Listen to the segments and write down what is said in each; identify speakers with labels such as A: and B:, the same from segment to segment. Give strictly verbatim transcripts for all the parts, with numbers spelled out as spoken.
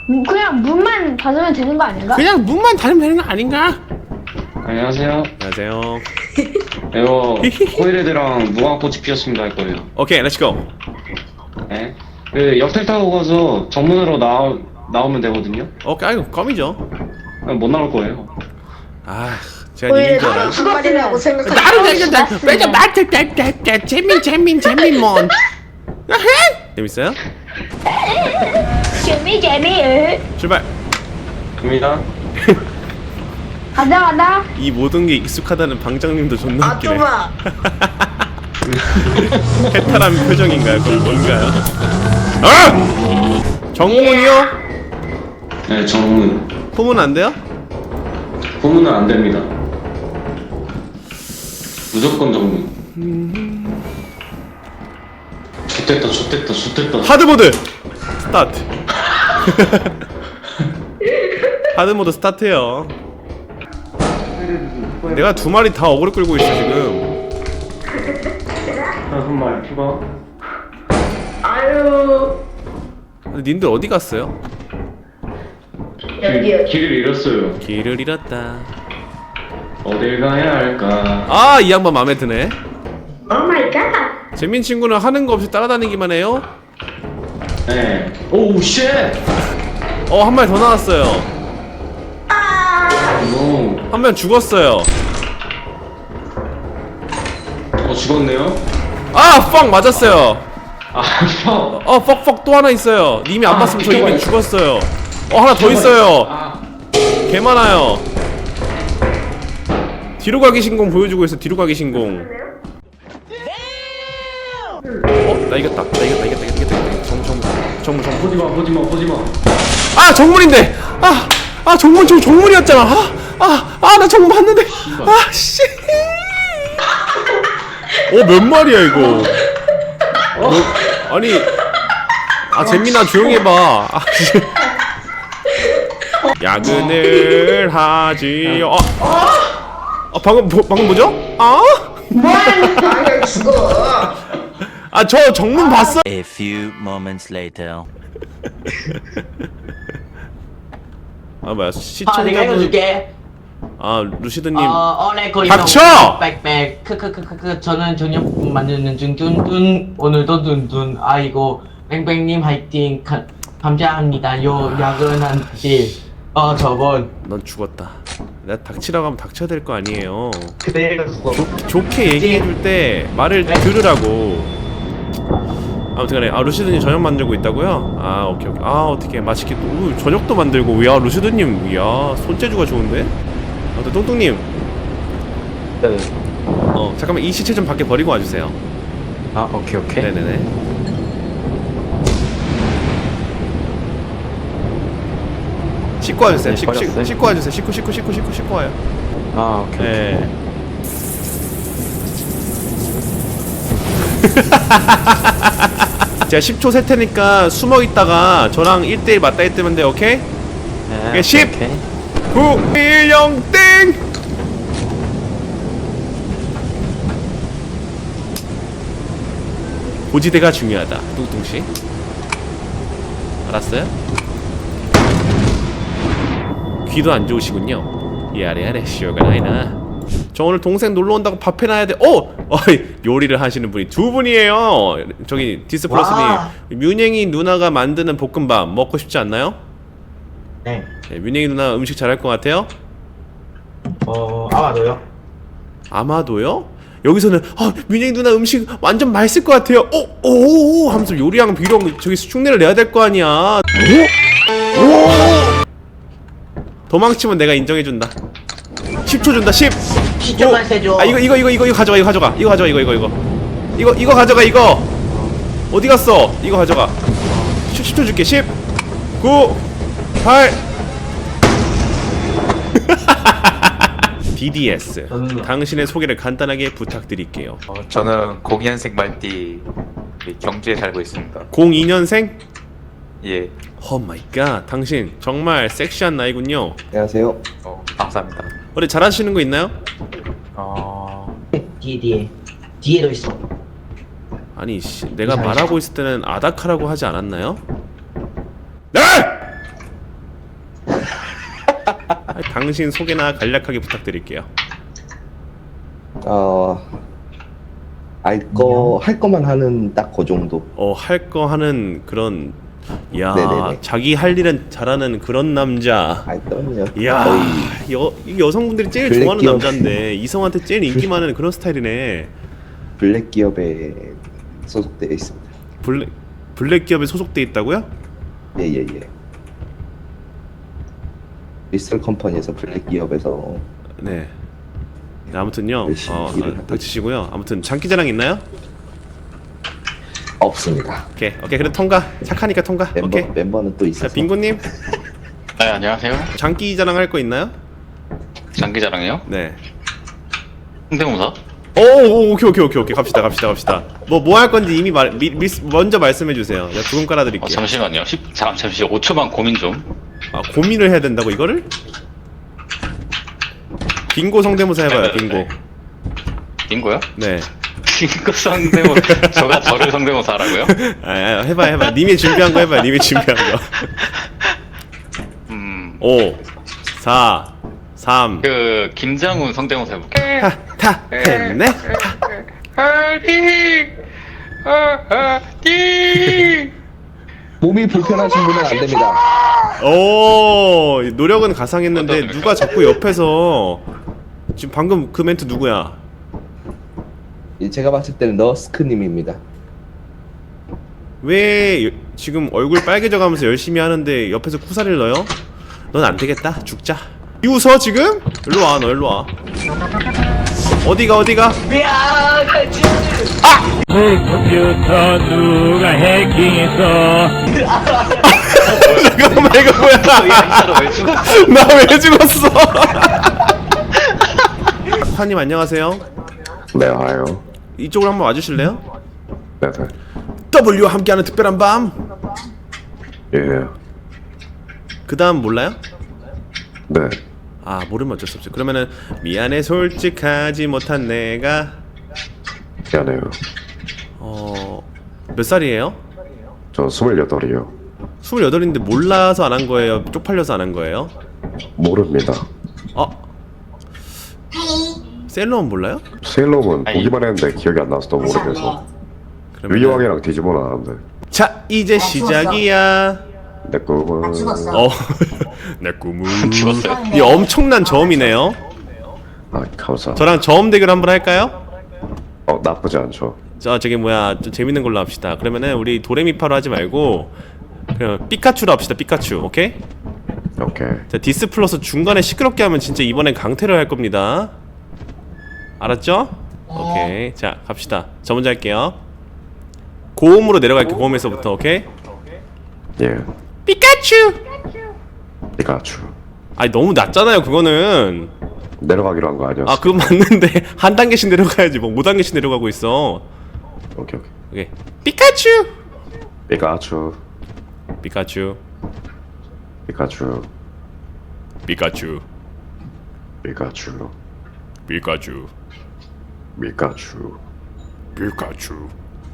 A: 음, 그냥 문만 닫으면 되는 거 아닌가?
B: 그냥 문만 닫으면 되는 거 아닌가?
C: 안녕하세요.
B: 안녕하세요.
C: 이거 코일헤드랑 무궁화꽃이 피었습니다 할 거예요.
B: 오케이, 렛츠고.
C: 네. 그 역텔 타고 가서 정문으로 나오, 나오면 되거든요.
B: 오케이, 아이고, 껌이죠.
C: 그냥 못 나올 거예요.
B: 아, 제가 님인 줄 알아요.
D: 말이라고 생각하지.
B: 나를 내가 왜저 마트 떼떼떼 재민 재민 재민 뭔 재밌어요?
A: 재미 재미.
B: 출발.
C: 갑니다.
A: 가자 가자.
B: 이 모든 게 익숙하다는 방장님도 존나
D: 아,
B: 웃기네.
D: 좁아.
B: 해탈한 표정인가요? 그건 뭔가요? 아! 정문이요?
C: 네, 정문.
B: 후문 안 돼요?
C: 후문은 안 됩니다. 무조건 정문. 좋됐다, 좋됐다, 좋됐다.
B: 하드모드 스타트. 하드모드 스타트요. 내가 두 마리 다 어그로 끌고 있어 지금.
C: 다섯 마리 추가.
D: 아유.
B: 근데 님들 어디 갔어요?
D: 여기요.
C: 길을 잃었어요.
B: 길을 잃었다.
C: 어딜 가야 할까?
B: 아, 이 양반 마음에 드네.
D: 오 마이 갓.
B: 재민 친구는 하는 거 없이 따라다니기만 해요.
C: 네. 오우 쉣!
B: 어, 한 마리 더 나왔어요.
C: 노.
B: 한 명 죽었어요.
C: 어 죽었네요.
B: 아, 펑 맞았어요.
C: 아 형.
B: 어, 퍽퍽 또 하나 있어요. 님이 안
C: 아,
B: 봤으면 저 이미
C: 비켜봐요.
B: 죽었어요. 어, 하나 더 있어요.
C: 아.
B: 개 많아요. 뒤로 가기 신공 보여주고 있어. 뒤로 가기 신공. 어, 나 이겼다. 나 이겼다. 이겼다. 이겼다. 이겼다. 정문, 정문, 정문, 정문.
C: 보지마 보지마 보지마.
B: 아, 정문인데. 아, 아, 정문, 저 정문이었잖아. 아, 아, 아, 나 정문 봤는데. 아, 씨. 어, 몇 마리야 이거? 너, 아니, 아, 재민아 조용히 해봐. 아, 씨. 야근을 하지요. 아, 아, 방금 뭐, 방금 뭐죠? 아,
D: 아야 죽어.
B: 아, 저 정문 봤어.
E: A few moments later.
B: 아, 뭐야,
F: 아, 내가
B: 시청자분.
F: 읽어줄게.
B: 아, 루시드님.
F: 어, 어레코리
B: 닥쳐!
F: 빽빽 크크크크크 저는 저녁 만드는 중 뚠뚠 오늘도 뚠뚠 아이고 뺑뺑님 화이팅 가, 감사합니다 요 야근한지 어 저번
B: 넌 죽었다. 내가 닥치라고 하면 닥쳐야 될 거 아니에요.
F: 그대로 죽어
B: 좋, 좋게 얘기해줄 때 말을 들으라고. 아무튼간에 아 루시드님 저녁 만들고 있다고요? 아 오케이 오케이. 아 어떻게 맛있게 또 우, 저녁도 만들고. 야 루시드님, 이야 손재주가 좋은데? 아무튼 똥똥님.
G: 네.
B: 어 잠깐만 이 시체 좀 밖에 버리고 와주세요.
G: 아, 오케이, 오케이.
B: 네네네. 씻고 와주세요.
G: 네,
B: 씻고 씻고
G: 버렸어요.
B: 씻고 와주세요. 씻고 씻고 씻고 씻고 씻고 와요.
G: 아, 오케이.
B: 네. 제가 십 초 셀 테니까 숨어 있다가 저랑 일 대일 맞다 했으면 돼요. 오케이?
G: 네,
B: 십.
G: 오케이.
B: 구, 일, 영, 땡! 고지대가 중요하다. 뚱뚱씨. 알았어요? 귀도 안 좋으시군요. 야래야래 쇼가 나이나. 저 오늘 동생 놀러 온다고 밥 해놔야 돼. 오! 어이, 요리를 하시는 분이 두 분이에요. 저기 디스플러스님,
F: 와.
B: 뮌행이 누나가 만드는 볶음밥 먹고 싶지 않나요?
F: 네.
B: 네, 뮌행이 누나 음식 잘할 것 같아요?
F: 어 아마도요
B: 아마도요? 여기서는 아, 뮌행이 누나 음식 완전 맛있을 것 같아요. 오! 오! 하면서 요리랑 비룡 저기 흉내를 내야 될 거 아니야. 오! 오! 도망치면 내가 인정해준다. 십 초 준다. 십.
F: 시점만 세줘
B: 아 이거 이거 이거 이거 이거 가져가. 이거 가져가. 이거 가져가. 이거 이거 이거. 이거 이거 가져가. 이거. 어디 갔어? 이거 가져가. 십 초 줄게. 십. 구. 팔. 디디에스.
F: 음.
B: 당신의 소개를 간단하게 부탁드릴게요.
G: 어, 저는 공이년생 말띠 경주에 살고 있습니다.
B: 공이 년생?
G: 예.
B: 오 마이 갓. 당신 정말 섹시한 나이군요.
H: 안녕하세요.
G: 어, 감사합니다.
B: 어디 잘하시는 거 있나요?
G: 어,
F: 뒤에 뒤에 뒤에도 있어
B: 아니 씨, 내가 말하고 있을 때는 아다카라고 하지 않았나요? 네! 당신 소개나 간략하게 부탁드릴게요.
H: 어, 알 거, 할 거만 하는 딱 그 정도.
B: 어, 할 거 하는 그런, 야,
H: 네네네.
B: 자기 할 일은 잘하는 그런 남자.
H: 아, 그럼요.
B: 이야,
H: 거의
B: 여, 이 여성분들이 제일
H: 블랙
B: 좋아하는
H: 기업.
B: 남자인데 이성한테 제일 인기 많은 그런 스타일이네.
H: 블랙 기업에 소속되어 있습니다.
B: 블랙 블랙 기업에 소속돼 있다고요?
H: 예, 예, 예. 리스털 컴퍼니에서 블랙 기업에서
B: 네. 네, 아무튼요.
H: 열심히
B: 어,
H: 일을
B: 어,
H: 하고
B: 닥치시고요. 아무튼 장기자랑 있나요?
H: 없습니다.
B: 오케이, 오케이. 그래 통과. 착하니까 통과.
H: 멤버,
B: 오케이.
H: 멤버는 또
B: 자,
H: 있어서.
B: 빙고님
I: 네, 안녕하세요.
B: 장기자랑 할 거 있나요?
I: 장기자랑이요?
B: 네.
I: 홍대모사?
B: 오, 오, 오케이, 오케이, 오케이, 오케이. 갑시다, 갑시다, 갑시다. 뭐 뭐 할 건지 이미 말 미, 미, 먼저 말씀해 주세요. 내가 두근 깔아드릴게요.
I: 어, 잠시만요. 십, 잠, 잠시 오 초만 고민 좀.
B: 아, 고민을 해야 된다고 이거를? 빙고 성대모사 해봐요. 빙고.
I: 빙고요?
B: 네.
I: 빙고 성대모, 저가 저를 성대모사 하라고요?
B: 아, 아, 해봐, 해봐. 님이 준비한 거 해봐. 님이 준비한 거.
I: 음,
B: 오, 사, 삼,
I: 그, 김장훈 성대모사 해볼게요.
B: 하, 타, 했네.
H: 몸이 불편하신 분은 안 됩니다.
B: 오, 노력은 가상했는데
I: 어떠십니까?
B: 누가 자꾸 옆에서 지금 방금 그 멘트 누구야?
H: 예, 제가 봤을 때는 너스크님입니다.
B: 왜 여- 지금 얼굴 빨개져가면서 열심히 하는데 옆에서 쿠사리를 넣어요? 넌 안 되겠다. 죽자. 이 웃어 지금? 일로 와, 너 일로 와. 어디가 어디가?
J: 컴퓨터 누가 해킹했어?
B: 잠깐만 이거 뭐야?
I: 인사로 왜 죽었어?
B: 나 왜 죽었어? 화님 안녕하세요.
K: 네, 와요.
B: 이쪽으로 한번 와주실래요?
K: 네, 네.
B: W와 함께하는 특별한 밤.
K: 예,
B: 그 다음 몰라요?
K: 네.
B: 아 모르면 어쩔 수 없죠. 그러면은 미안해 솔직하지 못한 내가
K: 미안해요.
B: 어몇 살이에요?
K: 저 스물여덟이요.
B: 스물여덟인데 몰라서 안 한 거예요? 쪽팔려서 안 한 거예요?
K: 모릅니다.
B: 어? 셀러문 몰라요?
K: 세일러문
I: 아니.
K: 보기만 했는데 기억이 안 나서 너무 오래돼서. 유이왕이랑 뒤집어는 아는데.
B: 자 이제 시작이야.
K: 내 꿈은.
B: 어, 내 꿈은
I: 죽었어요?
B: 이 엄청난 저음이네요.
K: 아, 감사.
B: 저랑 저음 대결 한번 할까요?
K: 어, 나쁘지 않죠.
B: 저 저기 뭐야 좀 재밌는 걸로 합시다. 그러면은 우리 도레미파로 하지 말고 그냥 피카츄로 합시다. 피카츄, 오케이?
K: 오케이.
B: 자 디스플러스 중간에 시끄럽게 하면 진짜 이번엔 강퇴를 할 겁니다. 알았죠? 오케이. 자 갑시다. 저 먼저 할게요. 고음으로 내려갈게요. 고음에서부터. 오케이?
K: 예.
B: 피카츄!
K: 피카츄.
B: 아니 너무 낮잖아요 그거는.
K: 내려가기로 한 거 아니었어?
B: 아 그건 맞는데 한 단계씩 내려가야지 뭐 오 단계씩 내려가고 있어.
K: 오케이, 오케이.
B: 오케이. 피카츄!
K: 피카츄.
B: 피카츄.
K: 피카츄.
B: 피카츄.
K: 피카츄.
B: 피카츄.
K: 피카츄.
B: 피카츄.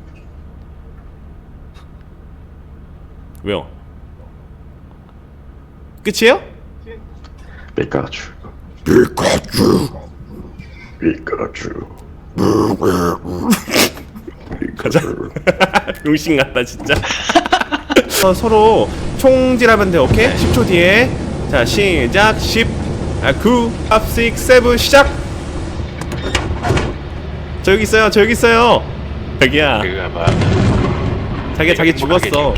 B: 왜요? 끝이에요?
K: 피카츄.
B: 피카츄.
K: 피카츄.
B: 가자. 병신 같다 진짜. 어, 서로 총질하면 돼. 오케이? 십 초 뒤에. 자 시작. 십, 아, 구, 육, 칠, 칠 시작. 저 여기 있어요. 저 여기 있어요. 자기야.
I: 그거 봐.
B: 자기야 자기 죽었어.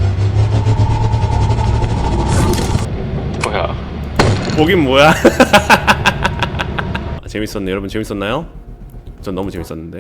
I: 뭐야?
B: 보긴 뭐야. 재밌었네. 여러분 재밌었나요? 전 너무 재밌었는데.